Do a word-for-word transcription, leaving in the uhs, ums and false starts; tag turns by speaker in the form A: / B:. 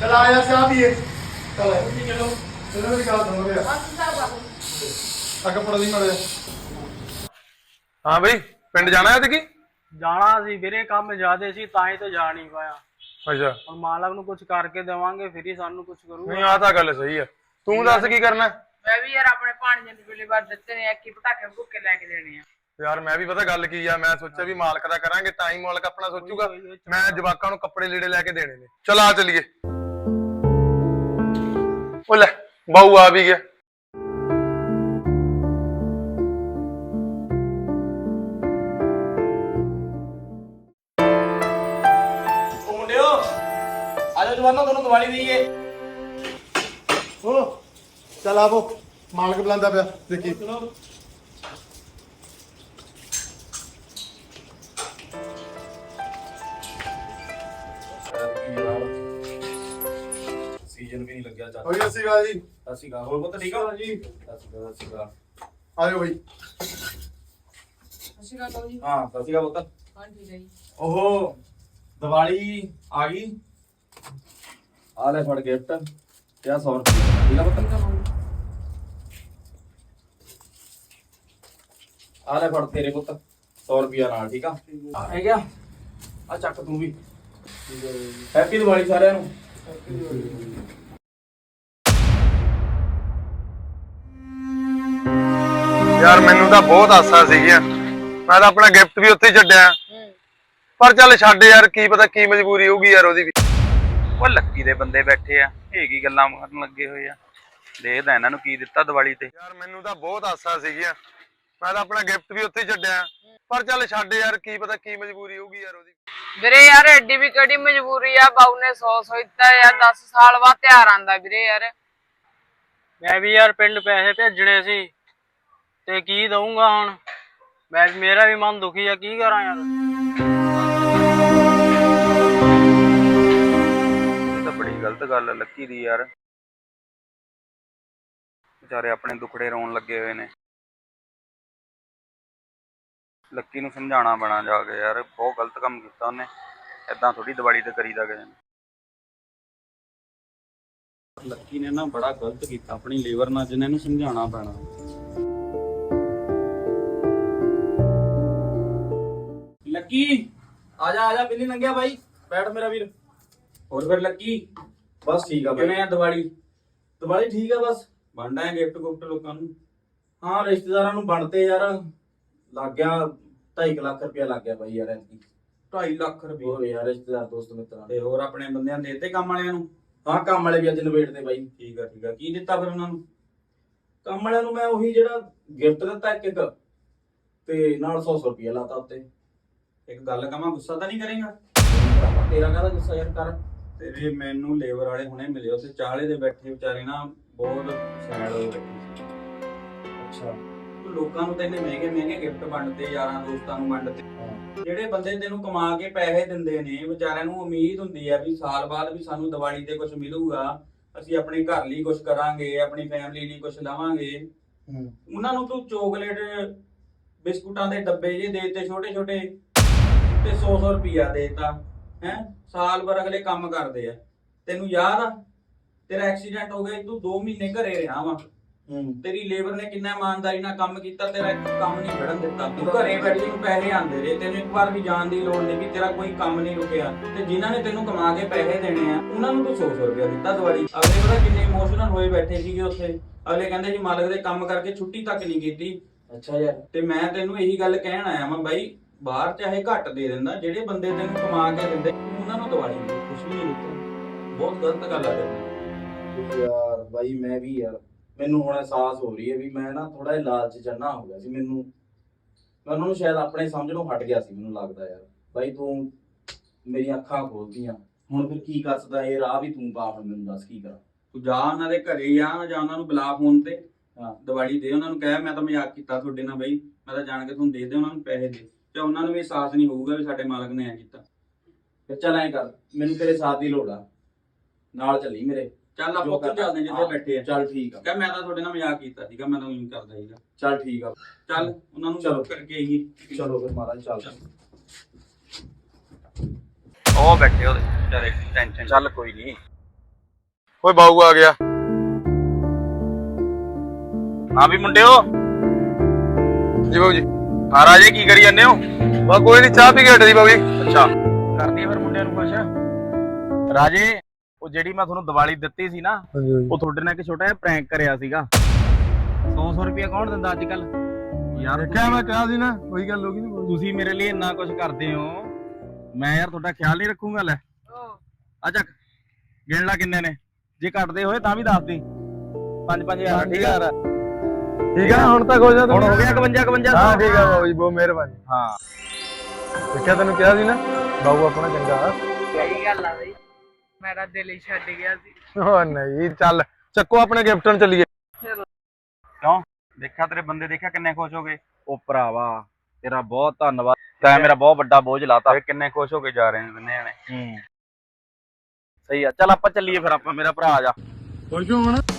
A: चल आया चाह पिए चल चलो चलो मेरी गल सुनो यार आ कपड़ा दी मड़े
B: हाँ बई पिंड जाना है की
C: ਜਾਣਾ ਸੀ ਵੀਰੇ ਕੰਮ ਜ਼ਿਆਦੇ ਸੀ ਤਾਂ ਹੀ ਤਾਂ ਜਾ ਨਹੀਂ ਪਾਇਆ।
B: ਅੱਛਾ
C: ਹੁਣ ਮਾਲਕ ਨੂੰ ਕੁਝ ਕਰਕੇ ਦੇਵਾਂਗੇ ਫਿਰ ਹੀ ਸਾਨੂੰ ਕੁਝ ਕਰੂਗਾ।
B: ਨਹੀਂ ਆ ਤਾਂ ਗੱਲ ਸਹੀ ਹੈ। ਤੂੰ ਦੱਸ ਕੀ ਕਰਨਾ?
D: ਮੈਂ ਵੀ ਯਾਰ ਆਪਣੇ ਭਾਣਜੇ ਦੇ ਵੇਲੇ ਬਾਅਦ ਦਿੱਤੇ ਨੇ ਇੱਕ ਹੀ ਪਟਾਕੇ ਭੁੱਕੇ ਲੈ ਕੇ ਦੇਣੇ ਆ।
B: ਯਾਰ ਮੈਂ ਵੀ ਪਤਾ ਗੱਲ ਕੀ ਆ, ਮੈਂ ਸੋਚਿਆ ਵੀ ਮਾਲਕ ਦਾ ਕਰਾਂਗੇ ਤਾਂ ਹੀ ਮਾਲਕ ਆਪਣਾ ਸੋਚੂਗਾ। ਮੈਂ ਜਵਾਕਾਂ ਨੂੰ ਕੱਪੜੇ ਲੀੜੇ ਲੈ ਕੇ ਦੇਣੇ ਨੇ। ਚਲ ਆ ਚਲੀਏ। ਉਹ ਲੈ ਬਾਊ ਆ ਵੀ ਗਿਆ।
E: जवानों दोनों दिवाली दीजिए।
A: ओ चल आवो मालक बुलांदा पिया देखी
E: सीजन भी नहीं लग गया चाचा।
A: होई अस्सी गा जी
E: अस्सी का और पता ठीक है
A: जी
E: अस्सी का अस्सी का
A: आयो भाई
D: ਅਸੀਂ ਕਾ ਕਹੋ ਜੀ।
E: हां अस्सी का पता
D: ਹਾਂ ਠੀਕ ਹੈ ਜੀ।
E: ओहो दिवाली आ गई। आ ले फड़ गिफ्ट क्या सौ रुपये ठीक है पता आ ले फड़ तेरे पुत सौ रुपया नाल ठीक है है क्या आ चक तू भी हैप्पी दिवाली सारे नु।
B: ਯਾਰ ਮੈਨੂੰ ਤਾਂ ਬਹੁਤ ਆਸਾਂ ਸੀਗੀਆਂ, ਮੈਂ ਤਾਂ ਆਪਣਾ ਗਿਫਟ ਵੀ ਉੱਥੇ ਹੀ ਛੱਡਿਆ। ਪਰ ਚੱਲ ਛੱਡ ਯਾਰ, ਕੀ ਪਤਾ ਕੀ ਮਜਬੂਰੀ ਹੋਊਗੀ ਯਾਰ ਉਹਦੀ ਵੀ।
F: ਉਹ ਲੱਕੀ ਦੇ ਬੰਦੇ ਬੈਠੇ ਆ, ਇਹ ਕੀ ਗੱਲਾਂ ਮਾਰਨ ਲੱਗੇ ਹੋਏ ਆ। ਦੇਖਦਾ ਇਹਨਾਂ ਨੂੰ ਕੀ ਦਿੱਤਾ ਦੀਵਾਲੀ ਤੇ।
B: ਯਾਰ ਮੈਨੂੰ ਤਾਂ ਬਹੁਤ ਆਸਾਂ ਸੀਗੀਆਂ, ਮੈਂ ਤਾਂ ਆਪਣਾ ਗਿਫਟ ਵੀ ਉੱਥੇ ਹੀ ਛੱਡਿਆ। ਪਰ ਚੱਲ ਛੱਡ ਯਾਰ, ਕੀ ਪਤਾ ਕੀ ਮਜਬੂਰੀ ਹੋਊਗੀ ਯਾਰ ਉਹਦੀ।
D: ਵੀਰੇ ਯਾਰ ਐਡੀ ਵੀ ਕਿਹੜੀ ਮਜਬੂਰੀ ਆ, ਬਾਊ ਨੇ ਸੌ ਸੌ ਦਿੱਤਾ ਯਾਰ। ਦਸ ਸਾਲ ਬਾਅਦ ਤਿਉਹਾਰ ਆਂਦਾ ਵੀਰੇ ਯਾਰ।
C: ਮੈਂ ਵੀ ਯਾਰ ਪਿੰਡ ਪੈਸੇ ਭੇਜਣੇ ਸੀ ਤੇ ਕੀ ਦਊਂਗਾ ਹੁਣ ਮੈਂ, ਮੇਰਾ ਵੀ ਮਨ ਦੁਖੀ ਆ, ਕੀ ਕਰਾਂ ਯਾਰ।
F: ਇਹ ਤਾਂ ਬੜੀ ਗਲਤ ਗੱਲ ਆ ਲੱਕੀ ਦੀ ਯਾਰ, ਵਿਚਾਰੇ ਆਪਣੇ ਦੁਖੜੇ ਰੋਣ ਲੱਗੇ ਹੋਏ ਨੇ। ਲੱਕੀ ਨੂੰ ਸਮਝਾਉਣਾ ਪੈਣਾ ਜਾ ਕੇ ਯਾਰ, ਬਹੁਤ ਗਲਤ ਕੰਮ ਕੀਤਾ ਉਹਨੇ। ਏਦਾਂ ਥੋੜੀ ਦੀਵਾਲੀ ਤੇ ਕਰੀਦਾ ਕਿਸੇ ਨੇ। ਲੱਕੀ ਨੇ ਨਾ ਬੜਾ ਗਲਤ ਕੀਤਾ ਆਪਣੀ ਲੀਵਰ ਨਾਲ, ਜਿਹਨੇ ਇਹਨੂੰ ਸਮਝਾਉਣਾ ਪੈਣਾ।
E: लक्की आजा आजा बिल्ली लंघिया भाई बैठ मेरा वीर। और फिर लक्की बस ठीक है भाई। दिवाली दिवाली ठीक है बस बन रहे गिफ्ट गुफ्ट लोगों ਨੂੰ। हाँ रिश्तेदारों ਨੂੰ ਬਣਦੇ ਯਾਰ ਲੱਗ ਗਿਆ ਢਾਈ ਲੱਖ ਰੁਪਇਆ ਲੱਗ ਗਿਆ ਭਾਈ ਯਾਰ ਐਤਕੀ। ਢਾਈ ਲੱਖ ਰੁਪਏ ਹੋਰ ਯਾਰ ਰਿਸ਼ਤੇਦਾਰ ਦੋਸਤ ਮਿੱਤਰਾਂ ਤੇ ਹੋਰ ਆਪਣੇ ਬੰਦਿਆਂ ਦੇ ਦਿੱਤੇ ਕੰਮ ਵਾਲਿਆਂ ਨੂੰ। ਹਾਂ ਕੰਮ ਵਾਲੇ ਵੀ ਅੱਜ ਨਵੇੜਦੇ ਬਾਈ। ਠੀਕ ਆ ਠੀਕ ਆ ਕੀ ਦਿੱਤਾ ਫਿਰ ਉਹਨਾਂ ਨੂੰ? ਕੰਮ ਵਾਲਿਆਂ ਨੂੰ ਮੈਂ ਉਹੀ ਜਿਹੜਾ ਗਿਫਟ ਦਿੱਤਾ ਇੱਕ ਇੱਕ ਤੇ ਨਾਲ ਸੌ ਸੌ ਰੁਪਇਆ ਲਾਤਾ ਉੱਤੇ। ਇੱਕ ਗੱਲ ਕਹਾਂ, ਗੁੱਸਾ ਤਾਂ ਨਹੀਂ ਕਰੇਗਾ? ਤੇਰਾ ਕਾਹਦਾ ਗੁੱਸਾ ਯਾਰ ਕਰ। ਤੇਰੇ ਮੈਨੂੰ ਲੇਬਰ ਵਾਲੇ ਹੁਣੇ ਮਿਲੇ, ਉੱਥੇ ਚਾਲੇ ਦੇ ਬੈਠੇ ਵਿਚਾਰੇ ਨਾ ਬਹੁਤ ਸੈਡ ਹੋਏ ਬੈਠੇ। ਅੱਛਾ ਲੋਕਾਂ ਨੂੰ ਤੈਨੇ ਮਹਿੰਗੇ ਮਹਿੰਗੇ ਗਿਫਟ ਵੰਡਦੇ, ਯਾਰਾਂ ਦੋਸਤਾਂ ਨੂੰ ਵੰਡਦੇ। ਜਿਹੜੇ ਬੰਦੇ ਤੈਨੂੰ ਕਮਾ ਕੇ ਪੈਸੇ ਦਿੰਦੇ ਨੇ, ਵਿਚਾਰਿਆਂ ਨੂੰ ਉਮੀਦ ਹੁੰਦੀ ਆ ਵੀ ਸਾਲ ਬਾਅਦ ਵੀ ਸਾਨੂੰ ਦੀਵਾਲੀ ਤੇ ਕੁਝ ਮਿਲੂਗਾ, ਅਸੀਂ ਆਪਣੇ ਘਰ ਲਈ ਕੁਝ ਕਰਾਂਗੇ, ਆਪਣੀ ਫੈਮਿਲੀ ਲਈ ਕੁਝ ਲਵਾਂਗੇ। ਉਹਨਾਂ ਨੂੰ ਤੂੰ ਚੋਕਲੇਟ ਬਿਸਕੁਟਾਂ ਦੇ ਡੱਬੇ ਜੇ ਦੇ ਦਿੱਤੇ ਛੋਟੇ ਛੋਟੇ ਤੇ ਸੌ ਸੌ ਰੁਪਇਆ ਦੇਤਾ ਹੈ। ਸਾਲ ਭਰ ਅਗਲੇ ਕੰਮ ਕਰਦੇ ਆ। ਤੈਨੂੰ ਯਾਦ ਆ ਤੇਰਾ ਐਕਸੀਡੈਂਟ ਹੋ ਗਿਆ, ਤੂੰ ਦੋ ਮਹੀਨੇ ਘਰੇ ਰਿਹਾ ਵਾ। ਤੇਰੀ ਲੇਬਰ ਨੇ ਕਿੰਨਾ ਇਮਾਨਦਾਰੀ ਨਾਲ ਕੰਮ ਕੀਤਾ, ਤੇਰਾ ਇੱਕ ਕੰਮ ਨਹੀਂ ਖੜਨ ਦਿੱਤਾ। ਤੂੰ ਘਰੇ ਬੈਠੇ ਨੂੰ ਪੈਸੇ ਆਉਂਦੇ ਰਹੇ, ਤੈਨੂੰ ਇੱਕ ਵਾਰ ਵੀ ਜਾਣ ਦੀ ਲੋੜ ਨਹੀਂ, ਵੀ ਤੇਰਾ ਕੋਈ ਕੰਮ ਨਹੀਂ ਰੁਕਿਆ। ਤੇ ਜਿਨ੍ਹਾਂ ਨੇ ਤੈਨੂੰ ਕਮਾ ਕੇ ਪੈਸੇ ਦੇਣੇ ਆ ਉਹਨਾਂ ਨੂੰ ਤੂੰ ਸੌ ਸੌ ਰੁਪਇਆ ਦਿੱਤਾ ਦੀਵਾਲੀ। ਅਗਲੇ ਪਤਾ ਕਿੰਨੇ ਇਮੋਸ਼ਨਲ ਹੋਏ ਬੈਠੇ ਸੀਗੇ ਉੱਥੇ। ਅਗਲੇ ਕਹਿੰਦੇ ਜੀ ਮਾਲਕ ਦੇ ਕੰਮ ਕਰਕੇ ਛੁੱਟੀ ਤੱਕ ਨਹੀਂ ਕੀਤੀ। ਅੱਛਾ ਯਾਰ ਤੇ ਮੈਂ ਤੈਨੂੰ ਇਹੀ ਗੱਲ ਕਹਿਣ ਆਇਆ ਵਾਂ ਬਾਈ, ਬਾਹਰ ਚਾਹੇ ਘੱਟ ਦੇ ਦਿੰਦਾ, ਜਿਹੜੇ ਬੰਦੇ ਤੈਨੂੰ ਕਮਾ ਕੇ ਦਿੰਦੇ ਉਹਨਾਂ ਨੂੰ ਦੀਵਾਲੀ ਨੂੰ ਕੁਛ ਵੀ ਨਹੀਂ ਦਿੱਤਾ। ਬਹੁਤ ਗਲਤ ਗੱਲ ਆ ਤੇਰੀ ਯਾਰ। ਬਾਈ ਮੈਂ ਵੀ ਯਾਰ, ਮੈਨੂੰ ਹੁਣ ਅਹਿਸਾਸ ਹੋ ਰਹੀ ਹੈ ਵੀ ਮੈਂ ਨਾ ਥੋੜਾ ਜਿਹਾ ਲਾਲਚ ਜੰਨਾ ਹੋ ਗਿਆ ਸੀ। ਮੈਨੂੰ ਮੈਂ ਉਹਨਾਂ ਨੂੰ ਸ਼ਾਇਦ ਆਪਣੇ ਸਮਝਣੋਂ ਹਟ ਗਿਆ ਸੀ, ਮੈਨੂੰ ਲੱਗਦਾ ਯਾਰ। ਬਾਈ ਤੂੰ ਮੇਰੀਆਂ ਅੱਖਾਂ ਖੋਲਦੀਆਂ ਹੁਣ, ਫਿਰ ਕੀ ਕਰ ਸਕਦਾ ਇਹ ਰਾਹ ਵੀ ਤੂੰ ਪਾ। ਹੁਣ ਮੈਨੂੰ ਦੱਸ ਕੀ ਕਰਾਂ? ਤੂੰ ਜਾ ਉਹਨਾਂ ਦੇ ਘਰੇ ਜਾ, ਜਾਂ ਉਹਨਾਂ ਨੂੰ ਬੁਲਾ ਫੋਨ ਤੇ, ਹਾਂ ਦੀਵਾਲੀ ਦੇ ਉਹਨਾਂ ਨੂੰ ਕਹਿ ਮੈਂ ਤਾਂ ਮਜ਼ਾਕ ਕੀਤਾ ਤੁਹਾਡੇ ਨਾਲ ਬਾਈ, ਮੈਂ ਤਾਂ ਜਾਣ ਕੇ ਤੁਹਾਨੂੰ ਦੇ ਦੇ ਉਹਨਾਂ ਨੂੰ ਪੈਸੇ ਦੇ। ਤੇ ਉਹਨਾਂ ਨੂੰ ਵੀ ਅਹਿਸਾਸ ਨਹੀਂ ਹੋਊਗਾ ਵੀ ਸਾਡੇ ਮਾਲਕ ਨੇ ਐ ਕੀਤਾ। ਫਿਰ ਚੱਲ ਐਂ ਕਰ, ਮੈਨੂੰ ਤੇਰੇ ਸਾਥ ਦੀ ਲੋੜ ਆ, ਨਾਲ ਚੱਲੀ ਮੇਰੇ। ਚੱਲ ਆਪਾਂ ਉੱਥੇ ਚੱਲਦੇ ਜਿੱਥੇ ਬੈਠੇ ਆ। ਚੱਲ ਠੀਕ ਆ। ਕਹ ਮੈਂ ਤਾਂ ਤੁਹਾਡੇ ਨਾਲ ਮਜ਼ਾਕ ਕੀਤਾ ਸੀਗਾ, ਮੈਂ ਤਾਂ ਉਹੀ ਕਰਦਾ ਸੀਗਾ। ਚੱਲ ਠੀਕ ਆ, ਚੱਲ ਉਹਨਾਂ ਨੂੰ ਚਲੋ ਕਰਕੇ ਆਈਏ। ਚਲੋ ਫਿਰ ਮਹਾਰਾਜ ਚੱਲ।
F: ਉਹ ਬੈਠੇ ਉਹਦੇ ਵਿਚਾਰੇ ਟੈਨਸ਼ਨ। ਚੱਲ ਕੋਈ ਨਹੀਂ,
B: ਓਏ ਬਾਊ ਆ ਗਿਆ।
F: ਹਾਂ ਵੀ ਮੁੰਡਿਓ,
B: ਜੀ ਬਾਊ ਜੀ।
F: ਆ ਰਾਜੇ ਕੀ ਕਰੀ ਜਾਂਦੇ ਹੋ?
B: ਬਾ ਕੋਈ ਨਹੀਂ, ਚਾਹ ਪੀ ਕੇ ਹਟੇ ਸੀ ਬਾਊ ਜੀ।
F: ਅੱਛਾ, ਕਰਦੀ ਫਿਰ ਮੁੰਡਿਆਂ ਨੂੰ ਖੁਸ਼। ਰਾਜੇ, ਉਹ ਜਿਹੜੀ ਮੈਂ ਤੁਹਾਨੂੰ ਦੀਵਾਲੀ ਦਿੱਤੀ ਸੀ ਨਾ, ਉਹ ਤੁਹਾਡੇ ਨਾਲ ਇੱਕ ਛੋਟਾ ਜਿਹਾ ਪ੍ਰੈਂਕ ਕਰਿਆ ਸੀਗਾ। ਸੌ ਸੌ ਰੁਪਇਆ ਕੌਣ ਦਿੰਦਾ ਅੱਜ ਕੱਲ ਯਾਰ?
B: ਦੇਖਿਆ ਮੈਂ ਕਿਹਾ ਸੀ ਨਾ, ਉਹੀ ਗੱਲ ਹੋ ਗਈ ਨਾ।
F: ਤੁਸੀਂ ਮੇਰੇ ਲਈ ਇੰਨਾ ਕੁਝ ਕਰਦੇ ਹੋ, ਮੈਂ ਯਾਰ ਤੁਹਾਡਾ ਖਿਆਲ ਨਹੀਂ ਰੱਖੂੰਗਾ? ਲੈ ਅੱਛਾ, ਗਿਣ ਲਾ ਕਿੰਨੇ ਨੇ, ਜੇ ਘਟਦੇ ਹੋਏ ਤਾਂ ਵੀ ਦੱਸ ਦੀ। ਪੰਜ ਪੰਜ ਹਜ਼ਾਰ ਠੀਕ ਆ?
B: ਠੀਕ ਆ, ਹੁਣ ਤੱਕ ਹੋ ਜਾ।
F: ਹੁਣ ਹੋ ਗਿਆ ਇਕਵੰਜਾ ਇਕਵੰਜਾ।
B: ਹਾਂ ਠੀਕ ਆ ਬਾਊ ਜੀ, ਬਹੁਤ ਮਿਹਰਬਾਨੀ।
F: ਹਾਂ
B: ਦੇਖਿਆ, ਤੈਨੂੰ ਕਿਹਾ ਸੀ ਨਾ ਬਾਊ ਆਪਣਾ ਚੰਗਾ।
D: ਸਹੀ ਗੱਲ ਆ ਬਈ, ਮੇਰਾ ਦਿਲ ਹੀ ਛੱਡ ਗਿਆ ਸੀ।
B: ਓ ਨਹੀਂ, ਚੱਲ ਚੱਕੋ ਆਪਣੇ ਗਿਫਟ ਨੂੰ ਚੱਲੀਏ।
F: ਕਿਉਂ? ਦੇਖਿਆ ਤੇਰੇ ਬੰਦੇ, ਦੇਖਿਆ ਕਿੰਨੇ ਖੁਸ਼ ਹੋ ਗਏ। ਉਹ ਭਰਾਵਾ ਤੇਰਾ ਬਹੁਤ ਧੰਨਵਾਦ, ਤੈਂ ਮੇਰਾ ਬਹੁਤ ਵੱਡਾ ਬੋਝ ਲਾਤਾ। ਕਿੰਨੇ ਖੁਸ਼ ਹੋ ਕੇ ਜਾ ਰਹੇ ਨੇ ਬੰਨੇ ਜਾਣੇ। ਹੂੰ ਸਹੀ ਆ, ਚੱਲ ਆਪਾਂ ਚੱਲੀਏ ਫਿਰ। ਆਪਾਂ, ਮੇਰਾ ਭਰਾ ਆ ਜਾ।
B: ਖੁਸ਼ ਹੋ ਹੁਣ?